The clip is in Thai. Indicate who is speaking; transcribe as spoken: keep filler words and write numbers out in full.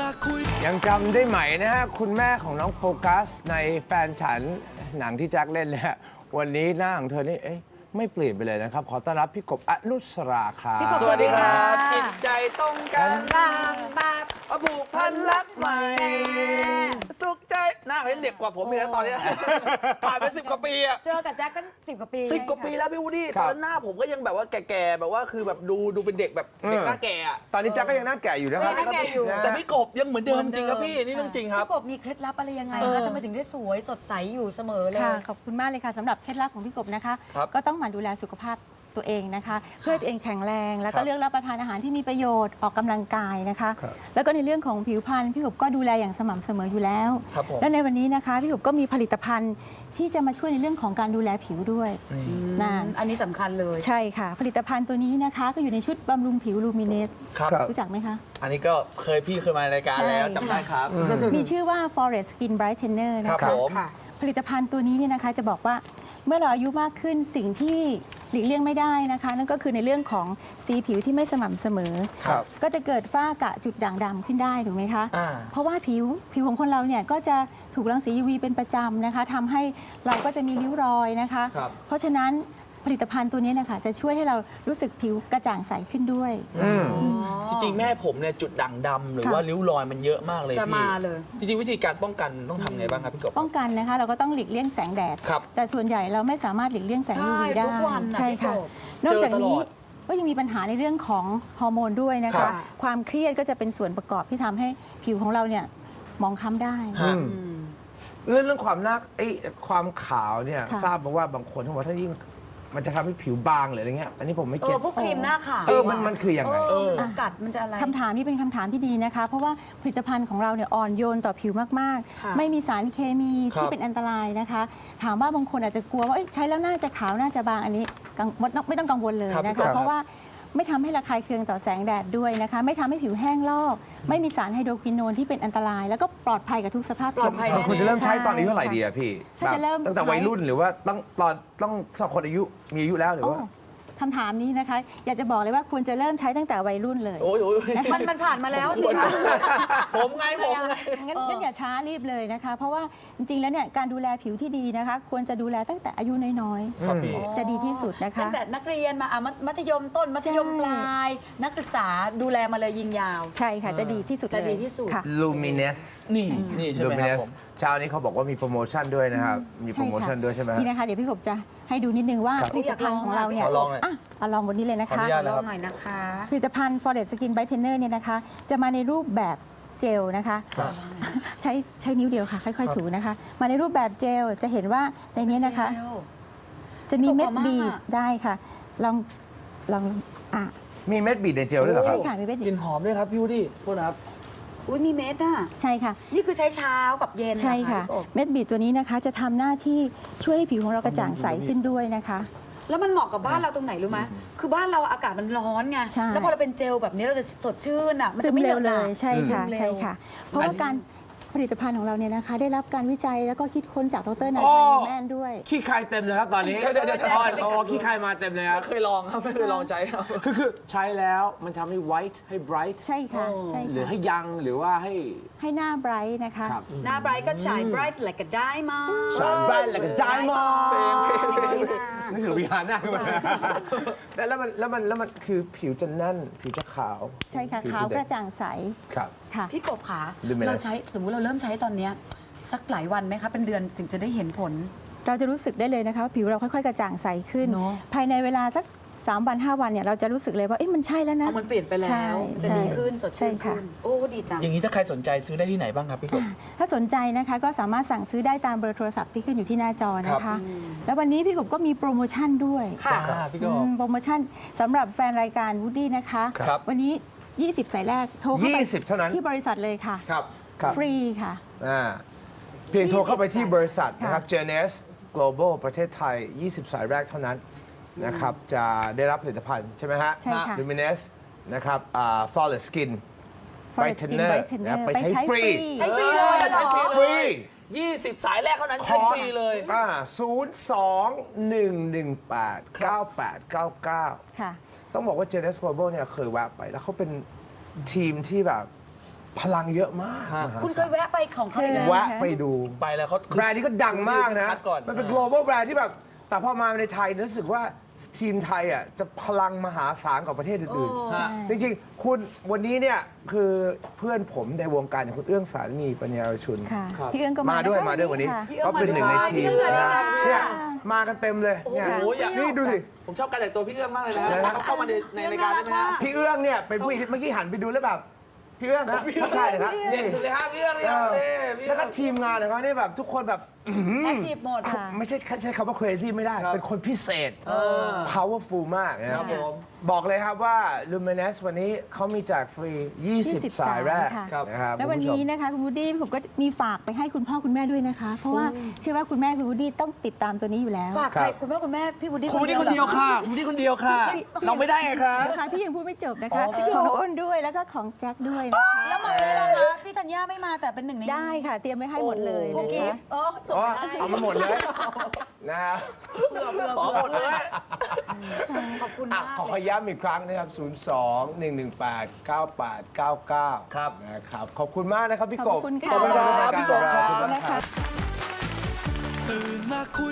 Speaker 1: มาคุย
Speaker 2: ยังจำได้ไหมนะฮะคุณแม่ของน้องโฟกัสในแฟนฉันหนังที่แจ็คเล่นเลยฮะวันนี้หน้าของเธอนี่เอ๊ะไม่เปลี่ยนไปเลยนะครับ ขอต้อนรับพี่กบอนุสราครับ
Speaker 3: พี่กบ
Speaker 4: สวัสดีครับจิตใจตรงกัน
Speaker 3: บางบาบ
Speaker 4: มาผูกพันรักใหม่สุขใจหน้าเขายังเด็กกว่าผมอีกนะตอนนี้ผ่านไปสิบกว่าปีอะ
Speaker 3: เจอกับแจ็คตั้งสิบกว่าปี
Speaker 4: สิบกว่าปีแล้วพี่วูดดี้ตอนนั้นหน้าผมก็ยังแบบว่าแก่ๆแบบว่าคือแบบดูดูเป็นเด็กแบบเด็กหน้าแก่อะ
Speaker 2: ตอนนี้แจ็คก็ยังหน้าแก่อยู่นะครับ
Speaker 3: หน้าแก่อยู่
Speaker 4: แต่พี่กบยังเหมือนเดิมจริงครับพี่นี่เรื่องจริงครับ
Speaker 3: พี่กบมีเคล็ดลับอะไรยังไง
Speaker 4: เออ
Speaker 3: คะทำไมถึงได้สวยสดใสอยู่เสมอเลย
Speaker 5: ค่ะขอบคุณมากเลยค่ะสำหรับเคล็ดลับของพี่กบนะคะ
Speaker 4: ครับ
Speaker 5: ก็ต้องหมั่นดูแลสุขภาพตัวเองนะคะ เพื่อให้ตัวเองแข็งแรง แล้ว
Speaker 4: ครั
Speaker 5: ก็
Speaker 4: บ
Speaker 5: เลือกรับประทานอาหารที่มีประโยชน์ออกกำลังกายนะคะ
Speaker 2: ครับ
Speaker 5: แล้วก็ในเรื่องของผิวพรรณพี่กบก็ดูแลอย่างสม่ำเสมออยู่แล้ว
Speaker 4: ครับผม
Speaker 5: และในวันนี้นะคะพี่กบก็มีผลิตภัณฑ์ที่จะมาช่วยในเรื่องของการดูแลผิวด้วยนั่น
Speaker 3: อันนี้สำคัญเลย
Speaker 5: ใช่ค่ะ ผลิตภัณฑ์ตัวนี้นะคะ ก็อยู่ในชุดบำรุงผิวลูมิเนส
Speaker 4: ครับ
Speaker 2: ครับ
Speaker 5: รู้จักไหมคะ
Speaker 4: อันนี้ก็เคยพี่เคยมารายการแล้ว
Speaker 5: ใช่
Speaker 4: จำได้ครับ
Speaker 5: มีชื่อว่า Forest Skin Brightener
Speaker 4: ครั
Speaker 5: นะ
Speaker 4: บ
Speaker 5: คะ
Speaker 4: ผม
Speaker 3: ค่ะ
Speaker 5: ผลิตภัณฑ์ตัวนี้เนี่ยนะคะจะบอกว่าเมื่อเราอายุมากขึ้นสิ่งที่หลีกเลี่ยงไม่ได้นะคะ นั่นก็คือในเรื่องของสีผิวที่ไม่สม่ำเสมอ
Speaker 2: ครับ
Speaker 5: ก็จะเกิดฝ้ากระจุดด่างดำขึ้นได้ถูกไหมคะ
Speaker 4: อ่า
Speaker 5: เพราะว่าผิวผิวของคนเราเนี่ยก็จะถูกรังสี ยู วี เป็นประจำนะคะทำให้เราก็จะมีริ้วรอยนะคะ
Speaker 4: ครับ
Speaker 5: เพราะฉะนั้นผลิตภัณฑ์ตัวนี้นะคะจะช่วยให้เรารู้สึกผิวกระจ่างใสขึ้นด้วย
Speaker 4: จริงๆแม่ผมเนี่ยจุดด่างดำหรือ
Speaker 5: ค่ะ
Speaker 4: ว่าริ้วรอยมันเยอะมากเลย
Speaker 3: จะ
Speaker 4: พี่
Speaker 3: มาเลย
Speaker 4: จริงๆวิธีการป้องกันต้องทำไงบ้างครับพี่กบ
Speaker 5: ป้องกันนะคะเราก็ต้องหลีกเลี่ยงแสงแดด
Speaker 4: ครับ
Speaker 5: แต่ส่วนใหญ่เราไม่สามารถหลีกเลี่ยงแสง
Speaker 3: ใช่
Speaker 5: ยู วี ได้
Speaker 3: ทุกวันน่ะ
Speaker 5: ใช่
Speaker 3: พี่
Speaker 5: ค่ะ
Speaker 3: กบ
Speaker 5: นอกจากนี้
Speaker 4: เจอตลอด
Speaker 5: ก็ยังมีปัญหาในเรื่องของฮอร์โมนด้วยนะ
Speaker 4: ครั
Speaker 5: คะ
Speaker 4: บ
Speaker 5: ความเครียดก็จะเป็นส่วนประกอบที่ทำให้ผิวของเราเนี่ยมองคล้ำได้
Speaker 4: ฮะ
Speaker 2: เรื่องเรื่องความหน้าไอ้ความขาวเนี่ย
Speaker 5: ค่ะ
Speaker 2: ทราบมาว่าบางคนเขาบอกว่าถ้ายิ่งมันจะทำให้ผิวบางหรืออะไรเงี้ยอันนี้ผมไม่
Speaker 3: เอ
Speaker 2: เก็
Speaker 3: อ
Speaker 2: ต
Speaker 3: พวกครีมหน้าขาว
Speaker 2: เออมันมันคือยังไง
Speaker 3: เออมันจะกัดมันจะอะไร
Speaker 5: คำถามนี้เป็นคำถามที่ดีนะคะ เพราะว่าผลิตภัณฑ์ของเราเนี่ยอ่อนโยนต่อผิวมาก
Speaker 3: ค่ะ
Speaker 5: ๆ ไม่มีสารเคมี
Speaker 4: ครับ
Speaker 5: ที่เป็นอันตรายนะคะ ถามว่าบางคนอาจจะกลัวว่าเอ้ยใช้แล้วน่าจะขาวน่าจะบางอันนี้กังไม่ต้องไม่ต้องกังวลเลย
Speaker 4: ครับ
Speaker 5: นะ
Speaker 4: ครั
Speaker 5: คะ
Speaker 4: บ
Speaker 5: เพราะว่าไม่ทำให้ระคายเคืองต่อแสงแดดด้วยนะคะ ไม่ทำให้ผิวแห้งลอก ไม่มีสารไฮโดรควินโนนที่เป็นอันตราย แล้วก็ปลอดภัยกับทุกสภาพ
Speaker 3: ปลอดภัย
Speaker 5: ผิว
Speaker 2: คุณจะเริ่มใช้ตอนอายุเท่าไหร่ดีอะพี่
Speaker 5: ถ้าจะเริ่ม
Speaker 2: แบบตั้งแต่วัยรุ่นหรือว่าต้องตอนต้องสองคนอายุมีอายุแล้วหรือว่า
Speaker 5: โอ้คำถามนี้นะคะ อยากจะบอกเลยว่าควรจะเริ่มใช้ตั้งแต่วัยรุ่นเลย
Speaker 4: โอ้ยโอ้ย
Speaker 3: มันมันผ่านมาแล้วสิคะ
Speaker 4: ผมไงผมไง
Speaker 5: งั้นงั้นอย่าช้ารีบเลยนะคะ เพราะว่าจริงๆ แล้วเนี่ยการดูแลผิวที่ดีนะคะ ควรจะดูแลตั้งแต่อายุน้อย
Speaker 4: ครับพี่
Speaker 5: ๆ จะดีที่สุดนะคะ
Speaker 3: ตั้งแต่นักเรียนมาอ่ะมัธมัธยมต้นมัธยม
Speaker 5: ใช่
Speaker 3: ปลาย นักศึกษาดูแลมาเลยยิงยาว
Speaker 5: ใช่ค่ะ จะดีที่สุด
Speaker 3: จะ
Speaker 5: เลย
Speaker 3: ดีที่สุด
Speaker 5: ค่ะ
Speaker 2: Luminous
Speaker 4: นี่นี่ใช่ไหมครับ
Speaker 2: Luminous
Speaker 4: ผม
Speaker 2: เช้านี้เขาบอกว่ามีโปรโมชั่นด้วยนะครับ มีโปรโมชั่นด้วยใช่ไหมฮะ
Speaker 5: นี่นะคะ เดี๋ยวพี่กบจะให้ดูนิดนึงว่า
Speaker 2: ครับ
Speaker 5: ผลิตภัณฑ์ของเราเนี่ย
Speaker 4: ขอลองหน่อย
Speaker 5: อ่ะเอาลองบนนี้เลยนะ
Speaker 4: ขออ
Speaker 5: คะ
Speaker 4: นุญาต
Speaker 3: ลองหน่อยนะคะ
Speaker 5: ผลิตภัณฑ์ Forest Skin Brightener เนี่ยนะคะ จะมาในรูปแบบเจลนะคะ
Speaker 4: ครับ
Speaker 5: ใช้ใช้นิ้วเดียวค่ะ ค่อยๆ ถูนะคะ มาในรูปแบบเจล จะเห็นว่าในนี้นะคะ จะมีเม็ด
Speaker 3: หอมมาก
Speaker 5: บีบ
Speaker 3: อะ
Speaker 5: ได้ค่ะ ลองลองอ่ะ
Speaker 2: มีเม็ดบีดในเจลด้วยเหรอครั
Speaker 5: ใช่
Speaker 2: บ
Speaker 5: ค่ะมีเม็ด
Speaker 4: ก
Speaker 5: บี
Speaker 4: ลิ่
Speaker 5: บ
Speaker 4: นหอมด้วยครับพี่วูดดี้โทษนะครับ
Speaker 3: อุ้ยมีเม็ดอ่ะ
Speaker 5: ใช่ค่ะ
Speaker 3: นี่คือใช้เช้ากับเย็น
Speaker 5: ใช่ค่ะ
Speaker 3: เหรอพี่กบ
Speaker 5: เม็ดบีดตัวนี้นะคะจะทำหน้าที่ช่วยให้ผิวของเรากระจ่างใสขึ้นด้วยนะคะ
Speaker 3: แล้วมันเหมาะกับบ้านเราตรงไหนรู้ไหมคือบ้านเราอากาศมันร้อนไง
Speaker 5: ใช่
Speaker 3: แล้วพอเราเป็นเจลแบบนี้เราจะสดชื่นอ่ะ มัน
Speaker 5: ซึ
Speaker 3: จะ
Speaker 5: ม
Speaker 3: ไม่เห
Speaker 5: เร็
Speaker 3: น
Speaker 5: ว
Speaker 3: อะห
Speaker 5: เล
Speaker 3: นะ
Speaker 5: ยใช่ค่ะ
Speaker 3: ซึมเร็ว
Speaker 5: ใช่ค่ะ เพราะว่าการผลิตภัณฑ์ของเราเนี่ยนะคะ ได้รับการวิจัยแล้วก็คิดค้นจากดรนาย
Speaker 2: อ๋อ
Speaker 5: แมนด้วย
Speaker 2: ขี้คายเต็มเลยครับตอนนี้
Speaker 4: เดี๋ยวเดี๋ยวเดี๋ยว
Speaker 2: อ๋อโอ้ขี้คายมาเต็มเลยครับ
Speaker 4: ไม่เคยลองครับไม่เคยลองใจครับ
Speaker 2: คือคือใช้แล้วมันทำให้ white ให้ bright
Speaker 5: ใช่ค่ะใช่
Speaker 2: หรือ
Speaker 5: ค่ะ
Speaker 2: ให้ยังหรือว่าให้
Speaker 5: ให้หน้าไบรท์นะคะ
Speaker 2: ครับ
Speaker 3: หน้าไบรท์ก็ฉาย bright like a diamond
Speaker 2: shine bright like a diamond
Speaker 4: เพลงเพลงเพลง
Speaker 2: นี่คือวิหารหน้าขึ้นมาแล้วแล้วมันแล้วมันแล้วมันคือผิวจะแน่น ผิวจะขาว
Speaker 5: ใช่ค่ะ
Speaker 2: ผิ
Speaker 5: ขาว
Speaker 2: จ
Speaker 5: กระจ่างใส
Speaker 2: ครับ
Speaker 5: ค่ะ
Speaker 3: พี่กบขา
Speaker 2: Luminous
Speaker 3: เราใช้สมมุติเราเริ่มใช้ตอนเนี้ยสักหลายวันไหมคะ เป็นเดือนถึงจะได้เห็นผล
Speaker 5: เราจะรู้สึกได้เลยนะคะว่าผิวเราค่อยๆ กระจ่างใสขึ้น
Speaker 3: เนอะ
Speaker 5: ภายในเวลาสักสามวันห้าวันเนี่ยเราจะรู้สึกเลยว่าเอ๊ะมันใช่แล้วนะ
Speaker 3: เอามันเปลี่ยนไปแล้
Speaker 5: ใช่
Speaker 3: ว จะ
Speaker 5: ใช่
Speaker 3: ดีขึ้นสด
Speaker 5: ใช่
Speaker 3: ชื่น
Speaker 5: ค่ะ
Speaker 3: ขึ้น โอ้ ดีจัง
Speaker 4: อย่างนี้ถ้าใครสนใจซื้อได้ที่ไหนบ้างครับพี่กบ
Speaker 5: ถ้าสนใจนะคะก็สามารถสั่งซื้อได้ตามเบอร์โทรศัพท์ที่ขึ้นอยู่ที่หน้าจอนะ
Speaker 4: ครั
Speaker 5: คะ
Speaker 4: บ
Speaker 5: แล้ววันนี้พี่กบก็มีโปรโมชั่นด้วย
Speaker 3: ค่ะ
Speaker 4: อ่าพี่ก
Speaker 5: อื
Speaker 4: บ
Speaker 5: มโปรโมชั่นสำหรับแฟนรายการวูดดี้นะคะ
Speaker 4: ครับ
Speaker 5: วันนี้ ยี่สิบ สายแรกโทรเข้าไป
Speaker 2: ยี่สิบเท่านั้น
Speaker 5: ที่บริษัทเลยค่ะ
Speaker 4: ครับ
Speaker 2: ครับ
Speaker 5: ฟรีค่ะ
Speaker 2: อ่าเพียงโทรเข้าไปที่บริษัทนะครับ
Speaker 5: ค่ะ
Speaker 2: เจ เอ็น เอส Global ประเทศไทย ยี่สิบ สายแรกเท่านั้นนะครับ จะได้รับผลิตภัณฑ์ใช่ไหมฮะ
Speaker 5: ใช่ค่ะ
Speaker 2: Luminous นะครับอ่า Flawless Skin
Speaker 5: Forest Skin
Speaker 2: Brightener
Speaker 5: Brightener
Speaker 2: นะไปใช้
Speaker 5: ไปใช้
Speaker 2: ฟรี
Speaker 5: ฟรี
Speaker 3: ใช้ฟรีเลยเหรอ
Speaker 4: ใช้ฟรี
Speaker 2: ฟ
Speaker 4: เล
Speaker 2: รี
Speaker 4: ยยี่สิบสายแรกเท่านั้นใช้ฟรีเลย
Speaker 2: อ่าศูนย์สองหนึ่งหนึ่งแปดเก้าแปดเก้าเก้า
Speaker 5: ค่ะ
Speaker 2: ต้องบอกว่า เจ เอ็น เอส Global เนี่ยเคยแวะไปแล้วเขาเป็นทีมที่แบบพลังเยอะมาก
Speaker 4: ฮะ
Speaker 2: มหา
Speaker 3: คุณเค
Speaker 2: ศาล
Speaker 3: ยแวะไปของเขาอีกแล้ว
Speaker 2: แวะไปดู
Speaker 4: ไปแล้วเขา
Speaker 2: แบรนด์นี้ก็ดังมากนะ
Speaker 4: คัดก่อน
Speaker 2: มันเป็น global แบรนด์ที่แบบ แต่พอมาในไทยรู้สึกว่าทีมไทยอ่ะจะพลังมหาศาลกว่าประเทศอื่น
Speaker 4: ฮะ
Speaker 2: ๆ จริงๆ คุณวันนี้เนี่ยคือเพื่อนผมในวงการอย่างคุณเอื้องสาลีปัญญารชุน
Speaker 5: ค่ะ
Speaker 4: ครับ
Speaker 5: พี่เอื้องก็
Speaker 2: มา
Speaker 5: มา
Speaker 2: ด้วย
Speaker 5: นะคะ
Speaker 2: มาด้วยวันนี้
Speaker 5: ค่ะ
Speaker 2: ก็เป็นหนึ่งในทีม
Speaker 3: พี่เอื้อง
Speaker 2: นะ
Speaker 3: สาลี
Speaker 2: เนี่ยมากันเต็มเลยเนี่ย
Speaker 4: โอ้โหอยาก
Speaker 2: นี่ดูสิ
Speaker 4: ผมชอบการแต่งตัวพี่เอื้องมากเลยนะฮะ
Speaker 2: นะฮะ
Speaker 4: เขาเข้ามาในในรายการได้ไหมฮะ
Speaker 2: พี่เอื้องเนี่ยเป็นผู้หญิงที่เมื่อกี้หันไปดูแล้วแบบพี่เอื้องครับทักทายเลยครับ
Speaker 4: เด่น
Speaker 2: นี่
Speaker 4: สุดเลยฮะพี่เอื้องเลยครับนี่พี่เอื้
Speaker 2: แล้ว
Speaker 4: อง
Speaker 2: ก็ทีมงานของเขาเนี่ยแบบทุกคนแบบ
Speaker 3: แอคทีฟหมด
Speaker 5: ค่ะ
Speaker 2: ไม่ใช่ใช้คำว่า crazy ไม่ได้
Speaker 4: ครับ
Speaker 2: เป็นคนพิเศษ
Speaker 4: เออ
Speaker 2: powerful มากนะค
Speaker 4: ครั
Speaker 2: รั
Speaker 4: บบ ผม
Speaker 2: บอกเลยครับว่า Luminous วันนี้เขามีแจกฟรี ยี่สิบ
Speaker 5: ยี่สิบ
Speaker 2: สายแรก
Speaker 5: สายค่ะ
Speaker 2: นะครับ
Speaker 5: แล้ววัน
Speaker 2: คุณผู้ช
Speaker 5: นี้
Speaker 2: ม
Speaker 5: นะคะคุณวูดดี้ผมก็มีฝากไปให้คุณพ่อคุณแม่ด้วยนะคะ เพราะว่าเชื่อว่าคุณแม่คุณวูดดี้ต้องติดตามตัวนี้อยู่แล้ว
Speaker 3: ฝากใครคุณพ่อคุณแม่พี่วูดดี้
Speaker 4: คุณนี่คนเดียว
Speaker 3: หรอ
Speaker 4: ค่ะคุณนี่คนเดียวค่ะ เราไม่ได้ไงคะ
Speaker 5: นะคะพี่ยังพูดไม่จบนะคะ
Speaker 4: อ๋อ
Speaker 5: ของน้องอ้นด้วยแล้วก็ของแจ็คด้วยนะคะ
Speaker 3: แล้วมาเลยล่ะคะพี่ธัญญาไม่มาแต่เป็นหนึ่งใน
Speaker 5: ได้ค่ะเตรียมไว้ให้หมดเลย
Speaker 3: กุ๊ก
Speaker 5: นะ
Speaker 3: กิ๊
Speaker 5: คะ
Speaker 3: บอ๋อส่ง
Speaker 2: อ๋อ
Speaker 3: ไปให้
Speaker 2: เอามาหมดเลยนะครับ
Speaker 4: ขอหมดเลย
Speaker 3: ขอบคุณ
Speaker 2: อ่ะ
Speaker 3: มาก
Speaker 2: ขอขอย้ำอีกครั้งนะครับ ศูนย์ สอง หนึ่ง หนึ่ง แปด เก้า แปด เก้า เก้า
Speaker 4: ครับ
Speaker 2: นะครับขอบคุณมากนะครับพี่กบ
Speaker 5: ขอบคุณค่ะ
Speaker 2: ขอบคุณครับ
Speaker 4: พี่กบครับ
Speaker 2: ขอบคุณครับ
Speaker 5: นะคะ
Speaker 1: ตื่นมาคุย